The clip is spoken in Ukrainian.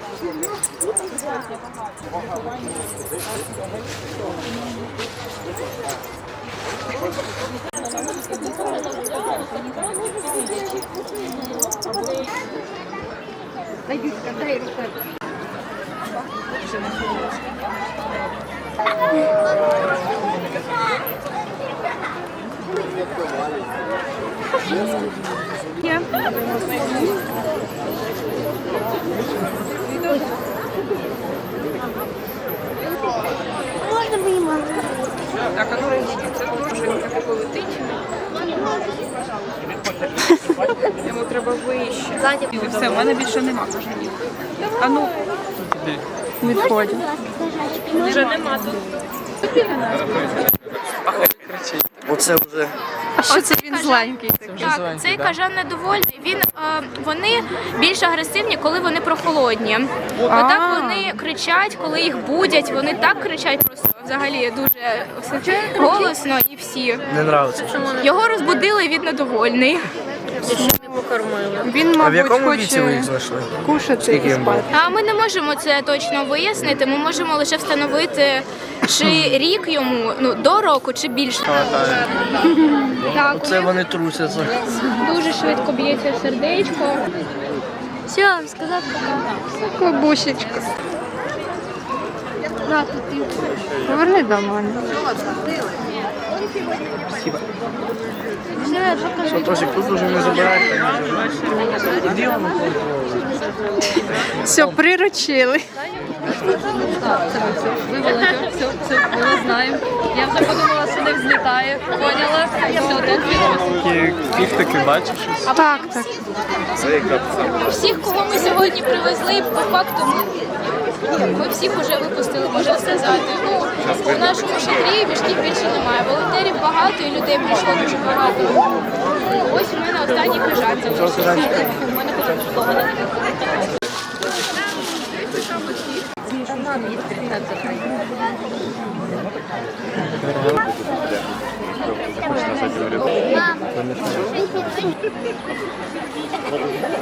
Дай руку. Можна мені мало? Так, а ну це дуже таке летить. Йому треба вище. І все, в мене більше нема кажанів. А ну, відходь. Вже нема тут. Оце вже. Оце він зленький. Так, цей кажан недовольний. Вони більш агресивні, коли вони прохолодні. Отак вони кричать, коли їх будять. Вони так кричать просто взагалі дуже голосно і всі. Не подобається. Його розбудили, він недовольний. Він, А в якому мабуть, віці ви хоче їх знайшли? кушати і спати. А ми не можемо це точно вияснити. Ми можемо лише встановити, чи рік йому, до року, чи більше. Так, Оце вони трусяться. дуже швидко б'ється сердечко. Все, сказав пока. Бабусечка. На, тут. Поверни до мене. Все, покажи. Що, Тосик, тут уже не забирайте. Іди воно. Все, приручили. Вивели, все, ми знаємо. Я вже подумала, що не взлітає. Поняла? Все, тут відносить. Кіхтики бачиш? Так. Всіх, кого ми сьогодні привезли, по факту ми всіх вже випустили, можна сказати. У нашому шатрі мішків більше немає. Волонтерів багато і людей прийшло дуже багато. Ось у мене останній кажан залишився. У мене потрібно. Мам.